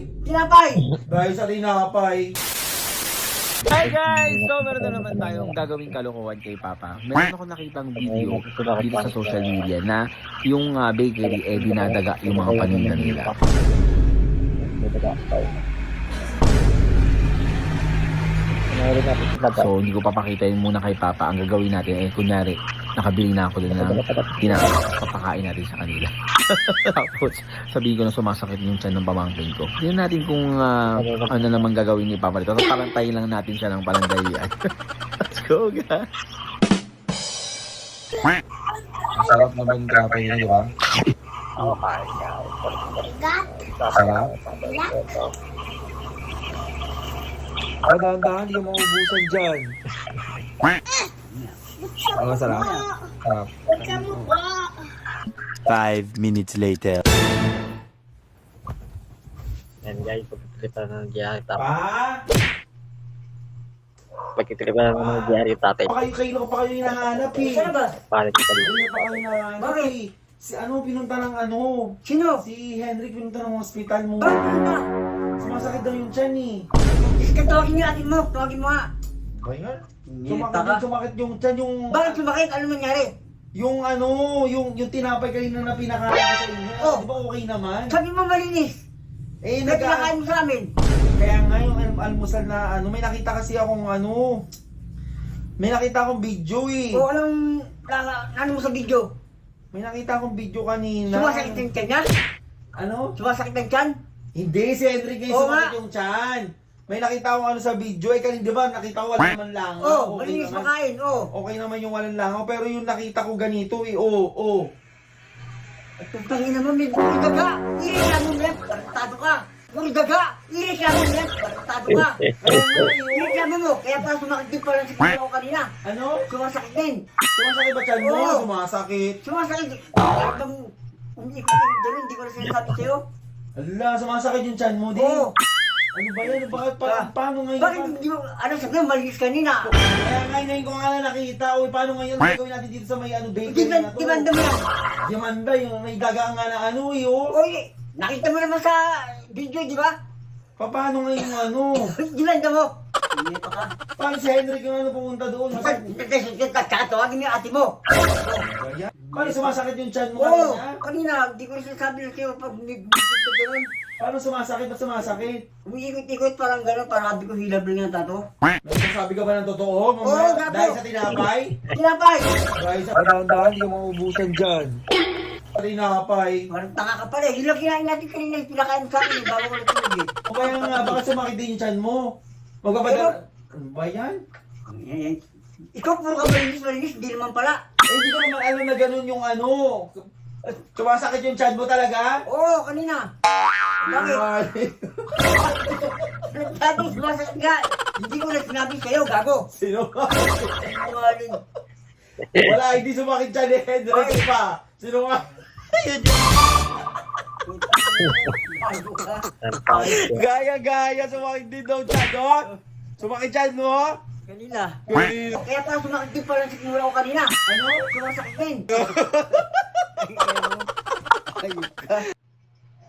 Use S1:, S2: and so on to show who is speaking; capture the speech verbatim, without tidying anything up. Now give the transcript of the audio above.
S1: Tinapay!
S2: Dahil sa tinapay.
S3: Hi guys! So meron na naman tayong gagawing kalokohan kay Papa. Meron ako nakitang video dito sa social media na yung uh, bakery eh dinadaga yung mga paninda nila. So hindi ko papakita yun muna kay Papa. Ang gagawin natin eh kunyari nakabili na ako din ng pinapakain natin sa kanila. Tapos sabihin ko na sumasakit yung tiyan ng pamangkin ko. Tingnan natin kung uh, ano naman gagawin ni Papa dito. Tapos palantayin lang natin siya ng palandayan. Let's go guys!
S2: Masarap naman kapay na, di ba? Sarap. Ay, dahan-dahan, hindi ka maubusan dyan. Ang masarap. Sarap.
S4: Five minutes later.
S5: Yan guys, pagkitripan ng nangyari tatay.
S2: Pa?
S5: Pagkitripan ng nangyari tatay.
S2: Pa kayo, kayo pa kayo hinahanap eh.
S1: Saan ba?
S5: Paano kita dito?
S2: Kayo pa kayo hinahanap eh. Si ano, pinunta ng ano?
S1: Sino?
S2: Si Henrik pinunta ng hospital mo.
S1: Bakit ano na?
S2: Sumasakit daw yung tiyan eh.
S1: Iska, tawagin niyo atin mo. Tawagin mo nga.
S2: Kaya nga?
S1: Nita
S2: Sumakit,
S1: ka.
S2: sumakit yung tiyan yung...
S1: Bakit sumakit? Ano nangyari?
S2: Yung ano, yung yung tinapay kanina na pinakain ko sa inyo.
S1: Oh.
S2: Di ba okay naman?
S1: Sabi mo malinis.
S2: Eh,
S1: Ba't
S2: nag
S1: pinakain mo sa amin?
S2: Kaya nga yung al- almusal na ano, may nakita kasi akong ano, may nakita akong video eh.
S1: O anong nana- ano mo sa video?
S2: May nakita akong video kanina.
S1: Sumasakit ng tiyan niya?
S2: Ano?
S1: Sumasakit ng tiyan?
S2: Hindi, si Henry ngayon
S1: Oo
S2: sumakit
S1: nga.
S2: yung tiyan. May nakita akong ano sa video eh, kanina di ba nakita ko wala naman lang.
S1: Oo, oh, malinis makain. Oo.
S2: Okay naman yung walang langaw, pero yung nakita ko ganito eh, oo, oo.
S1: At kung tangin naman, may puri daga. Ireklamo mo yan, partado ka. Puri daga. Ireklamo mo yan, partado ka.
S2: Kaya nga eh, oo.
S1: Ireklamo mo. Kaya pala sumakit din pala sa kanya ko kanina.
S2: Ano?
S1: Sumasakit din.
S2: Sumasakit ba tiyan mo?
S1: Oo.
S2: Sumasakit.
S1: Sumasakit. Habang umikot yung dalo, hindi ko na sinasabi sa'yo.
S2: Ala, sumasakit yung tiyan mo din.
S1: Oo.
S2: Ano ba yan? Bakit pa,
S1: Ah.
S2: paano ngayon?
S1: Bakit hindi mo, ano sabi mo, malinis kanina.
S2: Kaya nga ngayon ko nga na nakita, uy, paano ngayon gagawin natin dito sa may ano bakery
S1: Diman,
S2: na to?
S1: dimanda mo yan.
S2: Dimanda, yung may daga nga na ano eh, oh.
S1: Oy, nakita mo naman sa video, di ba?
S2: Pa, paano ngayon yung ano?
S1: Dimanda mo. Hindi pa ka.
S2: Paano si Henrik yung ano pumunta doon? Masakit.
S1: Tatawagin mo yung ate mo.
S2: Paano sumasakit yung tiyan mo
S1: Oo,
S2: kanina?
S1: kanina, hindi ko rin sinasabi na sa'yo pag may bisip ka gano'n.
S2: Paano sumasakit? Ba't sumasakit?
S1: Umiikot-ikot parang gano'n, parang sabi ko hilab lang yung tato.
S2: Nagsasabi ka ba ng totoo?
S1: Oo,
S2: Mamaya,
S1: gago.
S2: dahil sa tinapay?
S1: Tinapay!
S2: Dahil sa... Dahan-dahan, hindi ka maubusan dyan. Tinapay.
S1: Parang tanga ka pala, hilab kinain natin kanina yung pinakain sa akin, bago ko natulog eh.
S2: O kaya nga, baka sumakit din yung tiyan mo. Magpapadala... Ano ba yan?
S1: Yan, yan. Ikaw puro ka malinis-malinis, hindi naman pala.
S2: Eh, hindi ko naman alam na ganun yung ano. Sumasakit yung tiyan mo talaga?
S1: Oo, kanina. Bakit? Dati sumasakit ka. Hindi ko na sinabi sa'yo, gago.
S2: Sino?
S1: Sinungaling.
S2: Wala, hindi sumakit tiyan ni Henrik pa. Sino nga? Gaya-gaya, sumakit din daw tiyan, no? Sumakit tiyan mo?
S1: Kanina.
S2: Kanina.
S1: Kaya pala sumakit din pala sa kimura ko kanina.
S2: Ano?
S1: Sumasakit din.
S2: Ayun ka.